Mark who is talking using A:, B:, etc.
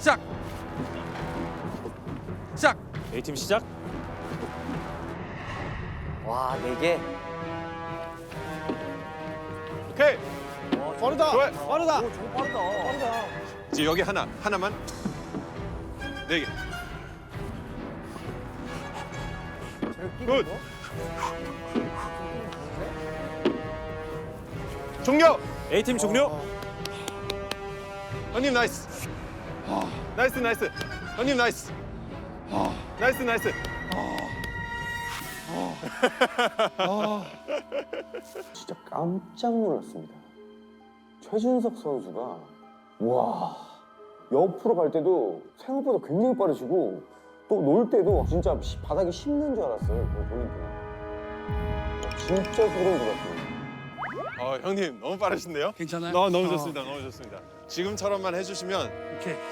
A: 시작. 시작.
B: A팀 시작.
C: 와, 4개.
D: 오케이.
B: 빠르다.
D: 좋아요.
B: 빠르다.
C: 오, 저거 빠르다.
D: 이제 여기 하나만. 4개. 굿. 종료.
B: A팀 종료.
D: 형님 나이스. 나이스. 형님 나이스. 나이스.
E: 진짜 깜짝 놀랐습니다. 최준석 선수가 와 옆으로 갈 때도 생각보다 굉장히 빠르시고 또 놀 때도 진짜 바닥에 씹는 줄 알았어요. 그거 보니까 진짜 소름 돋았습니다.
D: 형님 너무 빠르신데요?
A: 괜찮아요?
D: 너무 좋습니다. 지금처럼만 해주시면
A: 오케이.